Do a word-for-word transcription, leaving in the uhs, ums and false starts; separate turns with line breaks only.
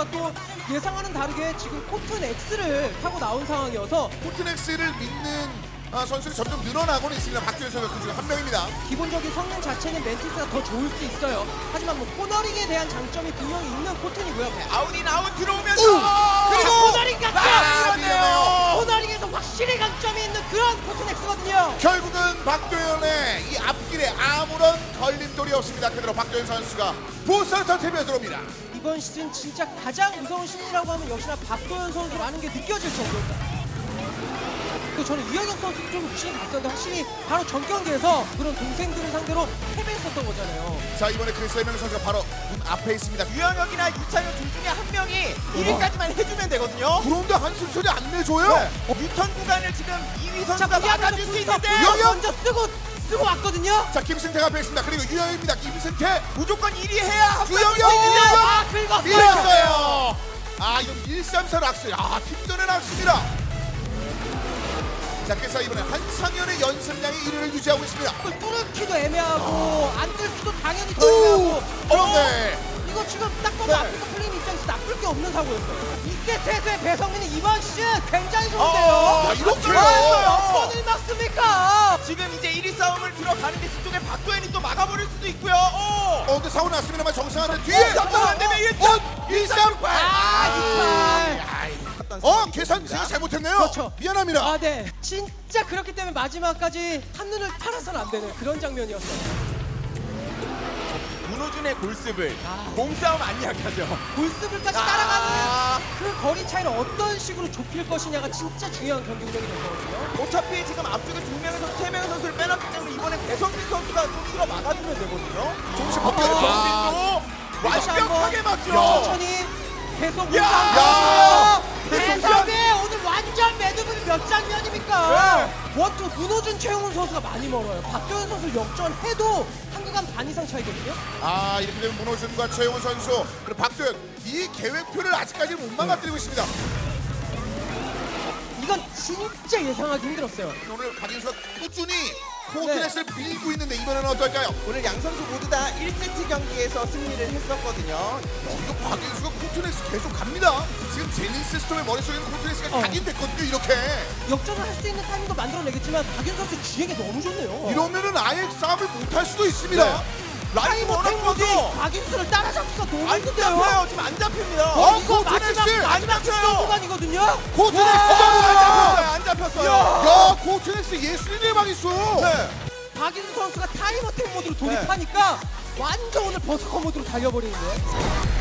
또 예상하는 다르게 지금 코튼 X를 타고 나온 상황이어서
코트넥스를 믿는 아, 선수들이 점점 늘어나고는 있습니다. 박규현 선수 그 중에 한 명입니다.
기본적인 성능 자체는 멘티스가 더 좋을 수 있어요. 하지만 뭐 코너링에 대한 장점이 분명히 있는 코튼이고요.
아웃인 아웃 들어오면서
그리고 코너링 강점!
아, 밀렸네요.
코너링에서 확실히 강점이 있는 그런 코튼 X거든요.
결국은 박도현의 이 앞길에 아무런 걸림돌이 없습니다. 그대로 박도현 선수가 부스터 팀에 들어옵니다.
이번 시즌 진짜 가장 무서운 신이라고 하면 역시나 박도현 선수라는 게 느껴질 정도입니다. 그 저는 이영혁 선수도 좀 욕심이 갔었는데 확실히 바로 전 경기에서 그런 동생들을 상대로 패배했었던 거잖아요.
자, 이번에 그 세 명 선수가 바로 문 앞에 있습니다.
유영혁이나 이찬혁 둘 중에 한 명이 일 위까지만 해주면 되거든요.
그런데 한숨 소리 안 내줘요.
네. 유턴 구간을 지금 이 위 선수가 막아줄 수 있는데
유영혁!
먼저 쓰고 쓰고 왔거든요.
자, 김승태가 앞에 있습니다. 그리고 유영입니다. 김승태,
무조건 일 위 해야
유영혁,
유영혁
아 긁었어요.
밀었어요. 아, 이건 일 삼 사 락스. 아, 팀전의 락스입니다. 자, 그래서 이번에 한상현의 연습량이 일 위를 유지하고 있습니다.
이걸 뚫기도 애매하고 안 뚫기도 당연히 더 애매하고.
그런데
이거 지금 딱 봐도
네.
아프리카 플레임 입장에서 나쁠 게 없는 사고였어요. 이때 태수의 배성민이 이번 시즌 굉장히
어,
좋은데요.
야, 이렇게요?
몇 번을 막습니까?
지금 이제 일 위 싸움을 들어가는데 뒤쪽에 박도현이 또 막아버릴 수도 있고요. 오!
어, 근데 사고 났습니다만 정상하는 뒤에
정상 안 되면 일 점!
일 삼 팔.
아,
어, 계산 제가 잘못했네요.
그렇죠.
미안합니다.
아, 네. 진짜 그렇기 때문에 마지막까지 한눈을 팔아서는 안 되는 그런 장면이었어요.
문호준의 골습을
아.
몸싸움 안 이야기하죠.
골스블까지
아.
따라가는 그 거리 차이를 어떤 식으로 좁힐 것이냐가 진짜 중요한 경기 운영이 될 거거든요.
어차피 지금 앞쪽에 두 명의 선수, 세 명의 선수를 빼놨기 때문에 이번에 배성민 선수가 좀 틀어 막아주면 되거든요.
조금씩
아.
바뀌어요.
배성민도
다시
완벽하게
한번
막죠.
천천히 계속
야!
야!
배성민!
배성민 오늘 완전 매듭은 몇 장면입니까? 원투 문호준 최용훈 선수가 많이 멀어요. 박도현 선수 역전해도 한 구간 반 이상 차이거든요.
아, 이렇게 되면 문호준과 최용훈 선수 그리고 박도현 이 계획표를 아직까지 못 망가뜨리고 있습니다.
이건 진짜 예상하기 힘들었어요.
오늘 박인수가 꾸준히 코트넷을 밀고 있는데 이번에는 어떨까요?
오늘 양 선수 모두 다 일 세트 경기에서 승리를 했었거든요.
이거 박인수가 코트넷 계속 갑니다. 지금 제니스 스톰의 머릿속에는 코트넷이
어.
각인됐거든요. 이렇게
역전을 할 수 있는 타이밍도 만들어내겠지만 박윤 선수 주행이 너무 좋네요.
이러면은 아예 싸움을 못 할 수도 있습니다.
네. 라인
타이머
워낙
탱고지
커서
박윤수를 따라잡기가 너무
안
힘든데요.
잡혀요. 지금 안 잡힙니다.
어,
이거
코트넷스!
마지막 마지막
안 잡혀요.
시도 구간이거든요.
코트넷
안
수정을
잡혔어요. 안 잡혔어요.
야, 코트넷스 예술인의 방 있어.
네.
박인수 선수가 타이머 탱 모드로 돌입하니까 완전 오늘 버스커 모드로 달려버리는데.